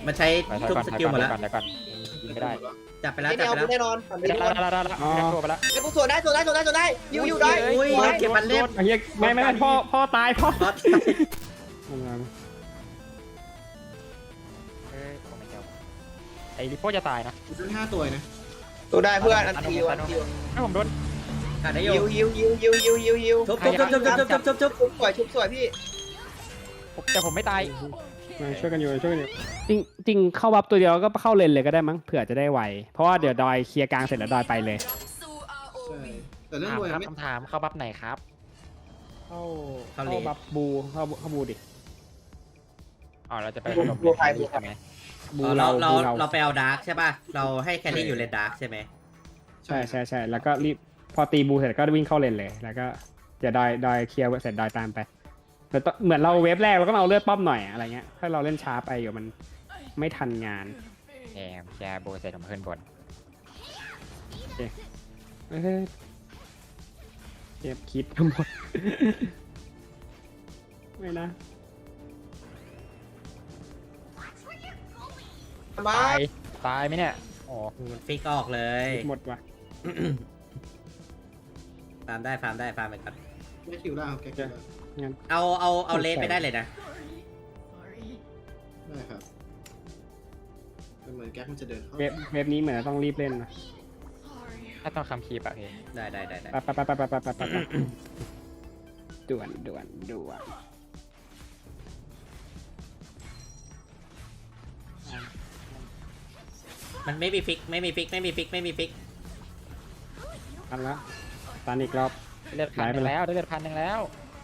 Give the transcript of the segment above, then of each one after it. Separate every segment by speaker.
Speaker 1: มันใช้
Speaker 2: ไป
Speaker 1: ทุก
Speaker 2: ก่อน
Speaker 1: สกิลหมดแล้ว
Speaker 2: เดี๋ยวก่อนยิงไม่ได้
Speaker 1: จับไปแล้ว
Speaker 3: ไม่
Speaker 1: จับ
Speaker 3: เอา
Speaker 1: ไปแล้ว
Speaker 3: แน่นอนฝั่ง
Speaker 2: ได้
Speaker 3: นี้แน่นอน
Speaker 2: ได้ตัวไปแล้ว
Speaker 3: ไอ้กูสวนได้ยิวได้
Speaker 1: อุ้ยเก็บมันเล่น
Speaker 4: ไอ้เหี้ยไม่พ่อตายพ่อ
Speaker 1: รอด
Speaker 2: ไอ้ลิโป้จะตายนะ
Speaker 5: ซื้อ5 ตัวนะ
Speaker 3: ตัวได้เพื่อนอันทีวันที
Speaker 2: ให้ผมโดน
Speaker 1: ขาดได้อ
Speaker 3: ยิ
Speaker 1: ยู่
Speaker 3: ว
Speaker 1: ทุบทุบ
Speaker 3: ชุบสวยพี่
Speaker 2: แต่ผมไม่ตาย
Speaker 4: ช่วยกันอยู่จริงเข้าบัฟตัวเดียวก็เข้าเลนเลยก็ได้มั้งเผื่อจะได้ไวเพราะว่าเดี๋ยวดอยเคลียร์กลางเสร็จแล้วดอยไปเลย
Speaker 5: ใช่แต่เรื่อง
Speaker 2: ถาม
Speaker 5: รวย
Speaker 2: ครับ
Speaker 5: ไม่
Speaker 2: คำถามเข้าบัฟไหนครับ
Speaker 4: เข้าบัฟบูเข้าบูดิ
Speaker 2: อ๋อเราจะไปถล่มใช่ไหม
Speaker 4: บู
Speaker 1: เราไปเอาดาร์กใช่ป่ะเราให้แคลรี่อยู่เลนดาร์กใช่ไหม
Speaker 4: ใช่แล้วก็รีบพอตีบูเสร็จก็วิ่งเข้าเลนเลยแล้วก็เดี๋ยวดอยเคลียร์เสร็จดอยตามไปแต่เหมือนเราเวฟแรกเราก็เอาเลือดป้อมหน่อยอะไรเงี้ยถ้าเราเล่นช้าไปเดี๋ยวมันไม่ทันงาน
Speaker 2: แกโบเสร็จผมขึ้นบน
Speaker 4: เก็บคิดทั้งหมดไม่นะ
Speaker 3: มา
Speaker 2: ตายไหมเนี่ยอ๋อ
Speaker 1: มันฟิกออกเลย
Speaker 4: หมดว่ะ
Speaker 1: ฟาร์มได้ฟาร์มไปก่อน
Speaker 5: ไม่คิวล่างครับแกคิวล่าง
Speaker 1: เอาเลสไปได้เลยนะ
Speaker 5: ได้ครับเป็นเหมือนแก๊กมันจะเดินเข้า
Speaker 4: เวฟนี้เหมือนต้องรีบเล่นนะ
Speaker 2: ถ้าต้องคำคีบอะพี่
Speaker 1: ได้
Speaker 4: ไปด่วน
Speaker 1: มันไม่มีฟิก
Speaker 4: ทันแล้วตันอีกรอบ
Speaker 2: เลือดพันหนึ่งแล้วได้เลือด1,000แล้ว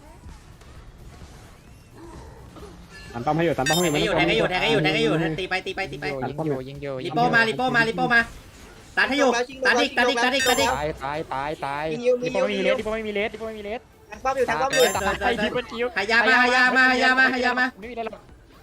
Speaker 4: ตันป้อมให้อยู่
Speaker 1: แทงให้อยู่ตีไป
Speaker 2: ยิงโย
Speaker 1: ลิโป้มาตัดให้อยู่ตัดอีก
Speaker 2: ตายลิโป้ไม่มีเลส
Speaker 3: แทงป้อมอยู่
Speaker 2: ตายทิปเปิลคิว
Speaker 1: หายามา
Speaker 2: ไม่มีอะไรหรอก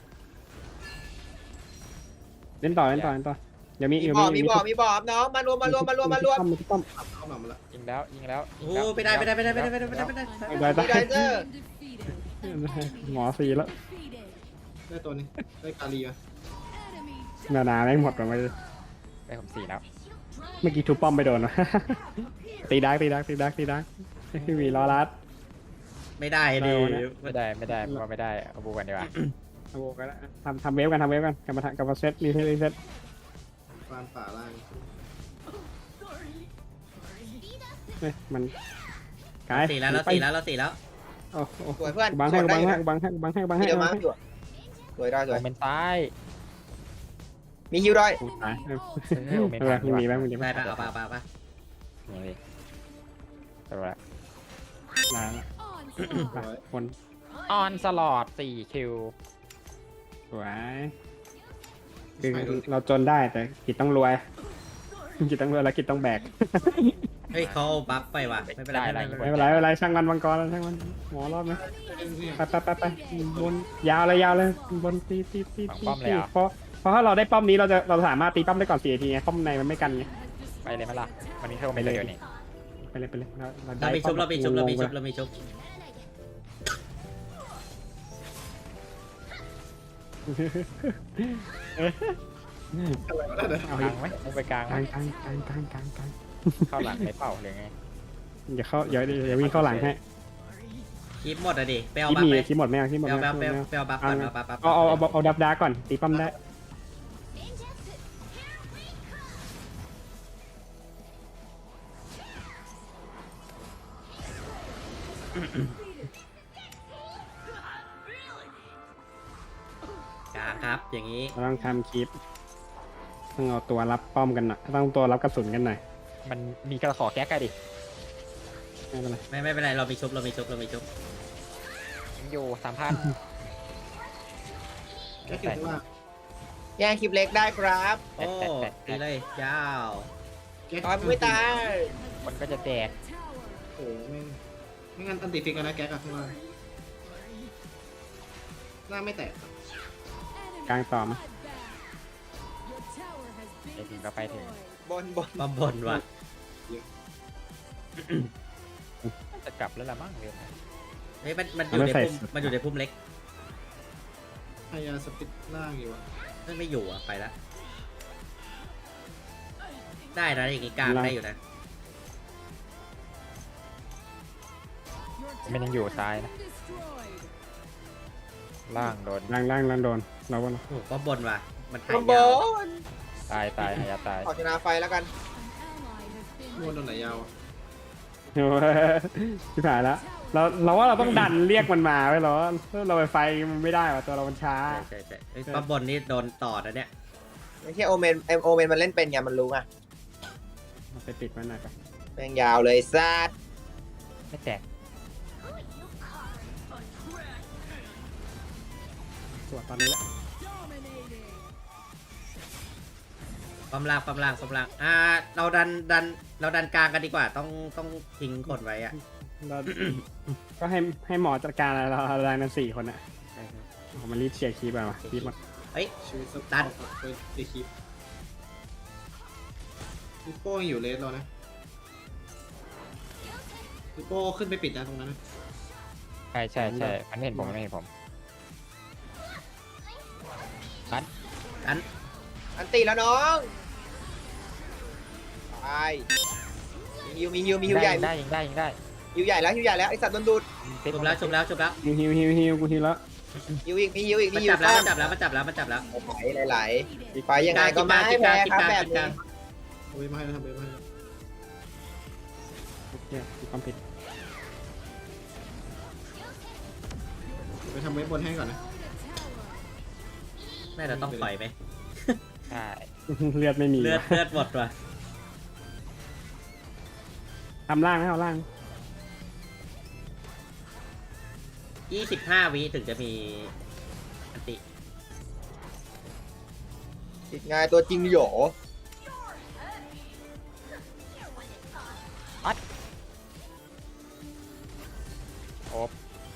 Speaker 4: เล่นต่อเดี๋ยวมี
Speaker 3: มีบ่อน้องมารวม
Speaker 4: ป้อม
Speaker 5: เข้ามาหมดละ
Speaker 2: ยิงแล้ว
Speaker 1: โอ้ไปได้
Speaker 4: ได้
Speaker 3: มีไดเซอร์
Speaker 4: หมอสีแล้ว
Speaker 5: ได้ตัวนี้ได้กาลีมา
Speaker 4: นาแม่งหมดไป
Speaker 2: ไปผม4แล้ว
Speaker 4: เมื่อกี้ทุบป้อมไปโดนวะตีดักมีล้อรัด
Speaker 1: ไม่ได้ดิ
Speaker 2: ไม่ได้เพราะไม่ได้เอาบูกันดีกว่า
Speaker 4: โอ้ก็ทำเวฟกันกลับมาเซตรีเซต
Speaker 5: ฟานป่าล่าง
Speaker 4: มันกาย
Speaker 1: 4 แล้ว
Speaker 4: โอ้
Speaker 3: สวยเพื่อน
Speaker 4: บังให้
Speaker 3: เดี๋ยวมาอยู่สวยได้สวย
Speaker 2: โมเมนต์ซ้าย
Speaker 3: มีฮิวด้วย
Speaker 4: ตาย
Speaker 2: โมเมนต์
Speaker 4: มีบ้าง
Speaker 1: ได้ปะเอาปะ
Speaker 2: นี่เลยตัวละ
Speaker 4: ลาคน
Speaker 2: ออนสลอด4คิว
Speaker 4: สวยคือเราจนได้แต่กิจต้องรวยแล้วกิจต้องแบก
Speaker 1: เฮ้ยเขาบัฟไปว่ะไม่เป็นไร
Speaker 4: ไม่เป็นไรช่างมันมังกรช่างมันหมอรอดไหมไปบนยาวเลยบนตีเพราะถ้าเราได้ป้อมนี้เราสามารถตีป้อมได้ก่อน4 นาทีไงป้อมในมันไม่กันไง
Speaker 2: ไปเลยมั้ยล่ะวันนี้เท่าไม่เลยนี่
Speaker 4: ไปเลย
Speaker 1: เรามีชุบ
Speaker 4: เอา
Speaker 2: กลางไหมไปกลาง
Speaker 4: กลาง
Speaker 2: เข้าหลังไม่เป่าเลยไง
Speaker 4: อย่าวิ่งเข้าหลังให้
Speaker 1: คลิปหมดอะดิไปเอา
Speaker 4: คิด
Speaker 1: บัฟ
Speaker 4: มี
Speaker 1: ไป
Speaker 4: คิดหมดไม่เอาคิดหมด
Speaker 1: ไปเอาบัฟก่อน
Speaker 4: เอาดับดาก่อนตีป้อมได้
Speaker 1: กลางครับอย่างนี้
Speaker 4: ต้องทำคลิปต้องเอาตัวรับป้อมกันหน่อยต้องตัวรับกระสุนกันหน่อย
Speaker 2: มันมีกระขอแก๊กกันดิ
Speaker 4: ไม่เป็นไร
Speaker 1: ไม่เป็นไรเรามีชุบ
Speaker 2: ยิงโย3,000
Speaker 5: แก๊กอยู่ข้างล่าง
Speaker 3: แย่งคลิปเล็กได้ครับ
Speaker 1: โอ้ตีเลยยาว
Speaker 5: แก๊ก
Speaker 3: ตอนไม่ตาย
Speaker 2: มันก็จะแตก
Speaker 5: โอ้ไม่งั้นอันติฟิกนะแก๊กข้างล่างหน้าไม่แตก
Speaker 4: กลางต่อม
Speaker 2: ไอ้ทีก็ไปถึง
Speaker 3: บน
Speaker 1: บนว่ะ
Speaker 2: จะกลับแล้วละมั้งเร็ว
Speaker 1: เฮ้ยมันอยู่ในพุ่มเล็ก
Speaker 5: พยายามสปิดล่างอยู่
Speaker 1: ไม่อยู่อ่ะไปละได้นะอย่างงี้กลางได้อยู่นะ
Speaker 2: มันยังอยู่ซ้ายนะล่างโดน
Speaker 4: ล่างโดนเราว่า
Speaker 1: โอ้โหป้อมบนว่ะมัน
Speaker 3: บ
Speaker 1: ถ่าย
Speaker 3: นบ
Speaker 1: ยาว
Speaker 3: น
Speaker 2: ตายหายาตาย
Speaker 3: ขอชนะไฟแล้วกัน
Speaker 5: โดนตรงไหนยาวอะ
Speaker 4: โอ้ยที่ผ่านแล้วเราว่าเราต้องดันเรียกมันมาไว้เราไปไฟมันไม่ได้ว่ะตัวเรามันช้า
Speaker 1: ใช่ป้อมบนนี่โดนต่อนะเนี่ย
Speaker 3: ไม่ใช่โอเมนมันเล่นเป็นไงมันรู้ไง
Speaker 4: ไปปิดมันหน่อยไป
Speaker 3: แม่งยาวเลยซัด
Speaker 2: ไม่แตก
Speaker 4: สวดตอนนี้แหละ
Speaker 1: ป้อมล่างเราดันกลางกันดีกว่าต้องทิ้งคนไว้อะ
Speaker 4: เราก็ให้หมอจัดการอะไรเราอะไรนั้น4 คนอ่ะมันรีบเชียร์คีบไปมาคีบมา
Speaker 1: เฮ้ย
Speaker 5: ชีวิตส
Speaker 1: ตั
Speaker 5: ตาน ร์ไปตีคลิปลิปโป้ยังอยู่เลสเรานะลิปโป้ขึ้นไปปิดนะตรงนั้นนะ
Speaker 2: ใช่มันไม่เห็นผม
Speaker 1: ตัน
Speaker 3: อันตีแล้วน้องตายมีฮิวใหญ่
Speaker 2: ได้ยิงได้
Speaker 3: ฮิวใหญ่แล้วไอสัตว์โดนดูด
Speaker 1: ชุบแล้ว
Speaker 4: ฮิวกูฮิวแล้ว
Speaker 3: ฮิวอีกมีฮิว
Speaker 1: มันจับแล้ว
Speaker 3: ไหลมีไฟยังไงก็ไม่แพ้ครับแบบนี้
Speaker 5: เอาไว้มาให้แล้วทำไว้มาให้แล้ว
Speaker 4: เนี่ยมีความผิด
Speaker 5: ไปทำไว้บนให้ก่อนนะ
Speaker 1: น่าจะต้องปล่อยไหม
Speaker 2: ใช่
Speaker 4: เลือดไม่มี
Speaker 1: เลือดหมดว่ะ
Speaker 4: ทำล่างนะเอาล่าง
Speaker 1: 25 วิถึงจะมีอันติ
Speaker 3: ติดงานตัวจริงโหย
Speaker 2: โอ๊บ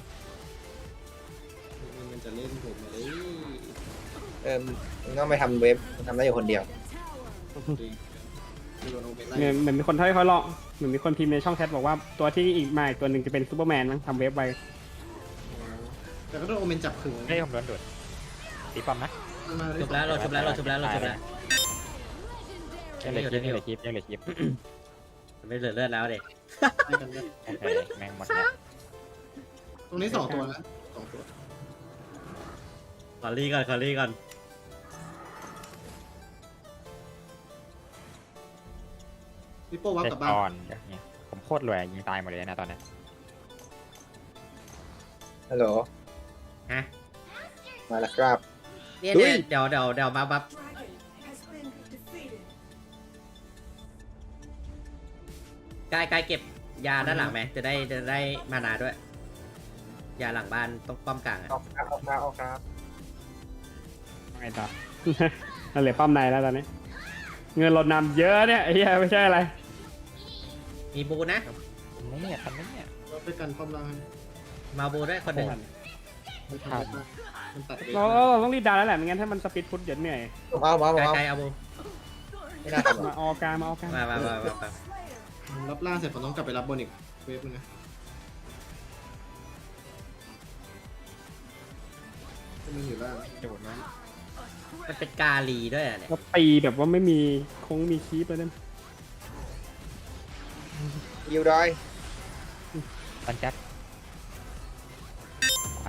Speaker 5: มันจะเล่นผมเลย
Speaker 3: มึงต้องไปทำเว็บทำได้อยู่คนเดียว
Speaker 5: โดนโอเมนไล่
Speaker 4: เหมือนมีคนเขาลองเหมือนมีคนพิมพ์ในช่องแชทบอกว่าตัวที่อีกมาอีกตัวหนึ่งจะเป็นซูเปอร์แมนมั้งทำเว็บไว้
Speaker 5: แต่ก็โดนโอเมนจับขึง
Speaker 2: เฮ้ยผมโดนดูดตีป้อมนะ
Speaker 1: จบแล้วเราจบแล้ว
Speaker 2: ยังเหลือคลิป
Speaker 1: ไม่เหลือเลือดแล้วเด็ก
Speaker 2: โอเคแม่งหมดแล้ว
Speaker 5: ตรงนี้2 ตัวนะ2 ตัว
Speaker 1: ขอรีก่อน
Speaker 5: ลิปโป้วับ
Speaker 2: เล่
Speaker 5: กลั
Speaker 2: น
Speaker 5: บบ้าน
Speaker 2: ก่อนเนี่ยผมโคตรรวยยิงตายหมดเลยนะตอนนี้
Speaker 3: ฮัลโหล
Speaker 1: ฮะ
Speaker 3: มาแล้วครับ
Speaker 1: เนี่ย
Speaker 3: ดุ้ย
Speaker 1: เดี๋ยวมาบัฟกายเก็บยาด้านหลังไหมจะได้มานาด้วย ยาหลังบ้านต้องป้อมกลางอะ
Speaker 3: ออกครับ
Speaker 4: ไงต่อ เราเหลือป้อมในแล้วตอนนี้ เงินลดนำเยอะเนี่ยไอ้เหี้ยไม่ใช่อะไร
Speaker 1: มีบูนะ
Speaker 2: ทันไหมเนี่ย
Speaker 5: เราไปกันป้อมล่างให้
Speaker 1: มาบูด้วยคนหนึ่ง
Speaker 5: ไม่ทันมันตัดเอง
Speaker 4: เราต้องรีบดันแล้วแหละไม่งั้นถ้ามันสปีดพุทธเดี๋ยวเหนื่อย
Speaker 3: เอา
Speaker 1: ไกลเอาบู
Speaker 3: ไม่น่าทำ
Speaker 4: มาออกกลาง
Speaker 1: มา
Speaker 5: รับล่างเสร็จผมต้องกลับไปรับบนอีกเวฟนึงนะมันอยู่ล่าง
Speaker 2: ดูดนะ
Speaker 1: มันเป็นกาลีด้วยอะเนี่ย
Speaker 4: ก็ตีแบบว่าไม่มีมีคีปเลยนั่น
Speaker 3: ฮิวดอย
Speaker 2: ตันแจ็คไป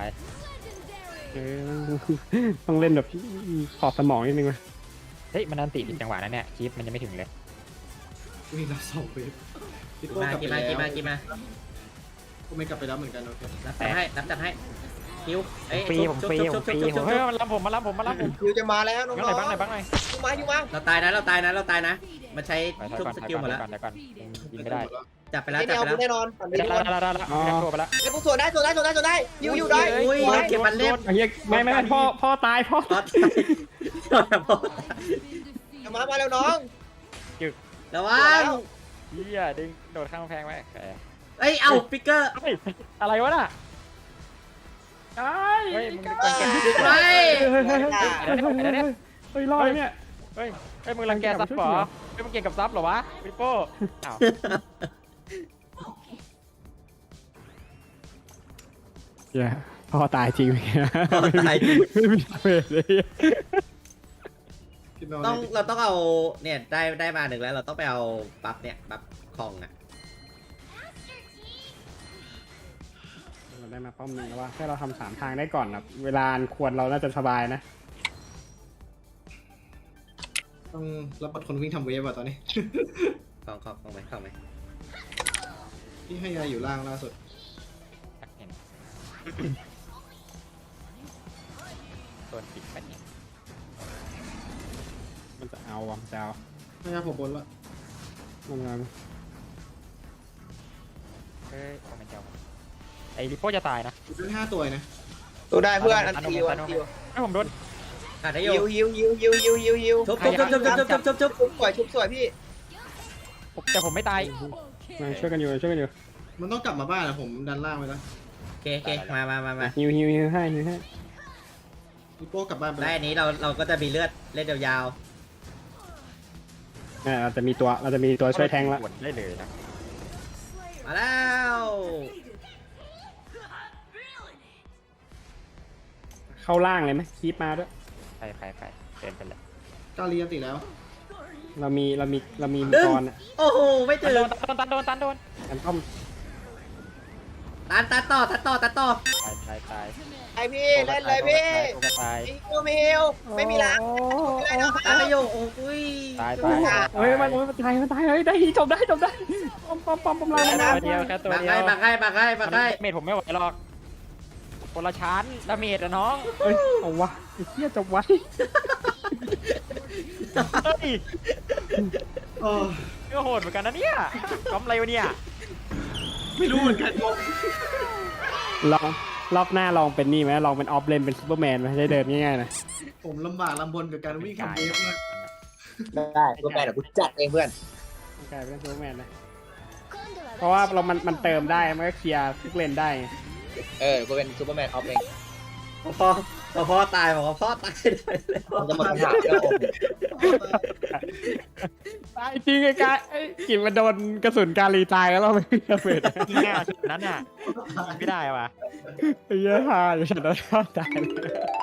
Speaker 4: ต้องเล่นแบบขอบสมองนิดนึงวะ
Speaker 2: เฮ้ยมันนันติดจังหวะนั้นเนี่ยคลิปมันยังไม่ถึงเลย
Speaker 5: วิ่งรับ2 เวฟลิปโป้
Speaker 1: มาก
Speaker 5: ลับไป
Speaker 1: กี่
Speaker 5: แล้ว
Speaker 1: มา
Speaker 5: โอเมนกลับไปรับเหมือนกันโอเค
Speaker 1: รับจับให้คิวเอ้ย
Speaker 2: ฟรีผมฟรีเฮ้ยมันรับผม
Speaker 3: ฮิวจะมาแล้วน้อง
Speaker 2: บ้างหน่อย
Speaker 3: ฮิวมา
Speaker 1: เราตายนะมันใช้ชุบสกิลหมดแล้ว
Speaker 2: เดี๋ยวก่อนยิงไม่ได้
Speaker 1: จับไปแล้ว
Speaker 3: ไม่เอาแน่นอนฝั่งนี้
Speaker 2: ได้ทั่วไปแล้ว
Speaker 3: ไอ้พวกส่วนได้ฮิวได้
Speaker 1: อุ้ยเก็บมันเล่น
Speaker 4: ไอ้เหี้ยไม่พ่อตายพ่อ
Speaker 1: ตาย
Speaker 3: มาแล้วน้อง
Speaker 1: ระวัง
Speaker 2: เฮียดึงโดดข้างกำแพงไว้
Speaker 1: เอ้ยเอาปิกเกอร์
Speaker 2: อะไรวะน่ะ
Speaker 4: ตาย
Speaker 2: เฮ้ยมึง
Speaker 1: ไป
Speaker 4: เฮ้ยรอดเนี่ย
Speaker 2: เฮ้ยมึงรังแกซับเหรอเฮ้ยมึงเก่งกับซับเหรอวะวิปโป้อ้าว
Speaker 4: เหี้ยพ่อตายจริงไหม
Speaker 1: ตายจริง
Speaker 4: ไม่มีเฟสเลย
Speaker 1: เราต้องเอาเนี่ยได้มาหนึ่งแล้วเราต้องไปเอาบัฟเนี่ยบัฟคองอ่ะ
Speaker 4: เราได้มาป้อมหนึงแล้วว่าแค่เราทำ3 ทางได้ก่อนนะเวลาอันควรเราน่าจะสบายนะ
Speaker 5: ต้องรับบัตรคนวิ่งทำเวฟอ่ะตอนนี้
Speaker 1: คองไหมคองไหม
Speaker 5: ที่ให้ยาอยู่ล่างล่าสุด
Speaker 2: เห็นโดนปิดไปเนี่ย
Speaker 4: มันจะเอาวะมันจะเอา
Speaker 5: ให้ยาผมบนละ
Speaker 4: มัน
Speaker 2: เฮ้ยโอ้มันเจ้าไอ้ลิโป้จะตายนะ
Speaker 5: ได้5 ตัวนะ
Speaker 3: ตัวได้เพื่อนอันติวอันติว
Speaker 2: ไอ้ผมโดน
Speaker 1: ขาดได้อ
Speaker 3: ฮิ
Speaker 1: ยู่
Speaker 3: วฮิวฮิวฮิวฮิวฮิวฮิว
Speaker 1: ชุบชุบ
Speaker 3: ชุบสวยชุบสวยพี่
Speaker 2: แต่ผมไม่ตาย
Speaker 4: มาช่วยกันอยู่ช่วยกันอยู่
Speaker 5: มันต้องกลับมาบ้านนะผมดันล่างไปแล้ว
Speaker 1: โอเคมา
Speaker 4: ฮิวให้ฮิวให้
Speaker 5: ลิโป้กลับบ้านไป
Speaker 1: ได้
Speaker 5: แล้ว
Speaker 1: อันนี้เราก็จะมีเลือดเล่นยาว
Speaker 4: เราจะมีตัวช่วยแทงละ
Speaker 2: สวนได้เลยนะ
Speaker 1: ๆมาแล้ว
Speaker 4: เข้าล่างเลยไหมคีปมาด้วย
Speaker 2: ไปเดินไปเลย
Speaker 5: กาลีอันติแล้ว
Speaker 4: เรามีมังกรอ่ะ
Speaker 1: โอ้โหไม่
Speaker 2: ตั
Speaker 1: ถึ
Speaker 2: น
Speaker 1: ง
Speaker 2: โดน
Speaker 4: กันป้อม
Speaker 1: ตัดต่อ
Speaker 2: ตาย
Speaker 3: ไอพี่เล่นเลยพี่
Speaker 2: ตาย
Speaker 3: ฮิวไม่ฮิวไม่มีล้างไม่ได้แล้ว
Speaker 1: ตายไปอยู่โอ้ย
Speaker 2: ตาย
Speaker 4: เฮ้ยมันตายเฮ้ยได้จบได้ป้อมลาย
Speaker 2: ตัวเดียวแค่ตัว
Speaker 1: บัก
Speaker 2: เดียว
Speaker 1: ให้
Speaker 2: เมทผมไม่ไหวหรอกคนละชั้นดาเมจอะน้อง
Speaker 4: เฮ้ยเอาวะไอ้เหี้ยจบไว้
Speaker 2: เฮ้ย
Speaker 5: เออ
Speaker 2: ก็โหดเหมือนกันนะเนี่ยกำไรวะเนี่ย
Speaker 5: ไม่รู้เหมือนกัน
Speaker 4: ลองรอบหน้าลองเป็นนี่ไหมลองเป็นออฟเลนเป็นซูเปอร์แมนไหมได้เดินง่ายๆนะ
Speaker 5: ผมลำบากลำบนกับการวิ่งทำเวฟมาก
Speaker 3: ได้ตัวแปรเดี๋ยวกูจัดเองเพื่อน
Speaker 4: กลายเป็นซูเปอร์แมนนะเพราะว่ามันเติมได้มันก็เคลียร์ทุกเลนได้
Speaker 3: กูเป็นซูเปอร์แมนออฟเอง
Speaker 1: พ่อตายบอกว่าพ่อตายเลย
Speaker 3: มันจะหมดคำถามแล้ว
Speaker 4: ตายจริงไอ้กายไอ้กินมันโดนกระสุนกาลีตายแล้วเราไม่ระเบิด
Speaker 2: ที่หน้าชุดนั้นน่ะไม่ได้ว่ะ
Speaker 4: ไอ้เหี้ยฮาอยู่ฉันโดนทอดตายเลย